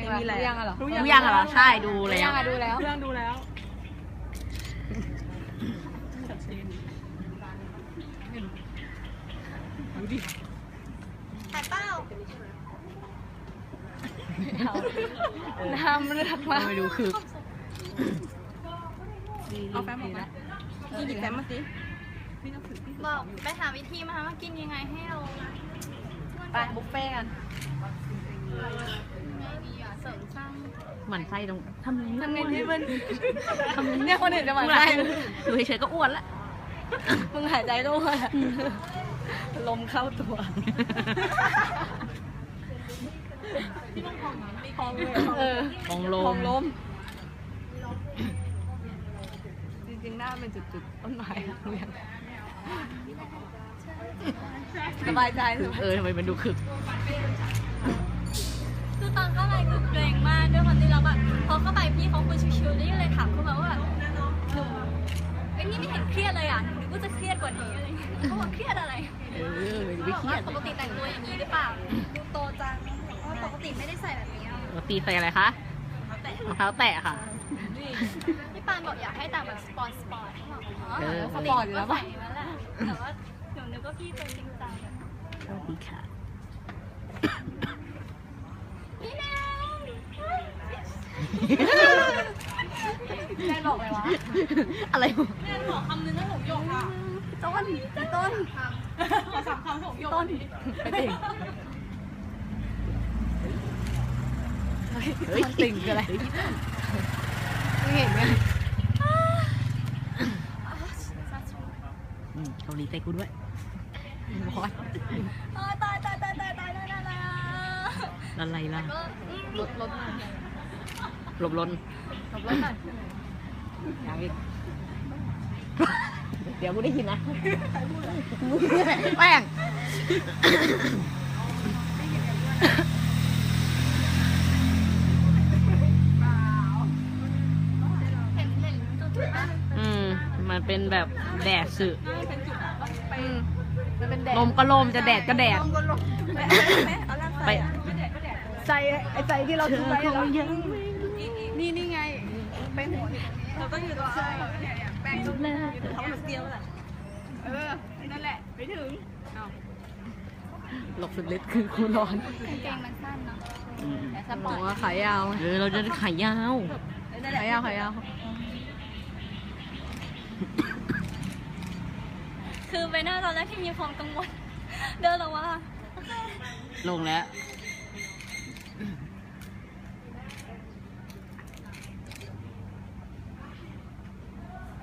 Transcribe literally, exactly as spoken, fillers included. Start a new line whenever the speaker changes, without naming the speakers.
มีอะไรยังอ่ะหรอ
รู้ยังเหรอใช่ดูแล้ว
ดูแล้ว
เรื่องดูแล้วดูดิ
ถ่ายเป้าน้ำเลือกมา
ไม่ดูคือ
เอาแฟ้มออกมาหยิบแฟ้มมาสิ
บอกไปหาวิธีมาว่ากินยังไงให้เรา
ไปบุฟเฟ่กัน
ไม่ดีอ่ะเสริมสร้าง
หมั่นไส้ตรงทำไง
ทำไงที่มัน
ทำไง
เนี่ยคนอื่นจะหมั่นไส้
อยู่เฉยๆก็อ้วนละ
มึงหายใจด้วยลมเข้าตัวพองเลยเออ
ของล
พอ
ม
งลมจริงๆหน้าเป็นจุดๆต้นไม้อะเรียงสบายใจสุด
เออทำไมมันดูคึก
คือตอนเข้าไปคือเกรงมากด้วยความที่เราแบบพอเข้าไปพี่เขาคุยชิวๆนี่เลยถามเขามาว่าแบบหนูไอ้นี่ไม่เห็นเครียดเลยอ่ะหนูนึกว่าจะเครียดกว่านี้อะไรเงี้ยเขาบอกเครียดอะไร
เออไม่เครียด
ปกติแต่งตัวอย่างนี้หรือเปล่าดูโตจังเพราะปกติไม่ได้ใส่แบบนี้อ่ะ
ปกติใส่อะไรคะ
แต่
รองเท้าแตะค่ะ
พี่ปานบอกอยากให้แต่งแบบสปอร์ตสปอร์ตเขาบอกอ๋อ
เออ
สปอร์ตอยู่แล้วป่ะแต่ว่าหนูนึกว่าพี่เป็นจริงจัง
สวัสดีค่ะ
พี่แนว
แม่บอกไปวะ
อะไรวะ
แม่บอกคำนึงให้ผมยกอ่ะ
ต้นต้น
ขอสามคำผมยกต้น
ไปติ่งเฮ้ยติ่งคืออะไร
ไม่เห็นไง
อืมเกาหลีใจกูด้วยบอส
ตายตายตายตายตายตายตายตาย
อะไรล่ะ
ก็
รถรถมา
หลบลน
ขับรถหน่อย
ยังอีกเดี๋ยวกูได้ยินนะแป้ง
เห็นเห็นจุดจุดบ้าง
อืมมันเป็นแบบแดดสึ
ไปมันเป็นแดด
ลมก็ลมจะแดดก็แดด
เอาล่าง
ไป
ใส่ไอ้ใจที่เรา
เธ
ซื้อ
อ
ไว้
ค
เหรอง
ยัง
นี่นี่ไงแป้งหัวเราต้องอยู่ตรงเสื้อเนี่ยแป้งต้องอยู่ตรงเขาเหมือนเตี้ยวแหละเออนั่นแหละไปถึงเอา
หลบสุดฤทธิ์คือคูร้อน
กางเกงมันสั้นเนาะ
อืม
แต่ส
บ
ปอ
อก
ร์ต
ว่าขายาว
เออเราจะขายาว
ขายาวขายาว
คือไปหน้าตอนแรกที่มีความกังวลเดินออกมา
ลงแล้ว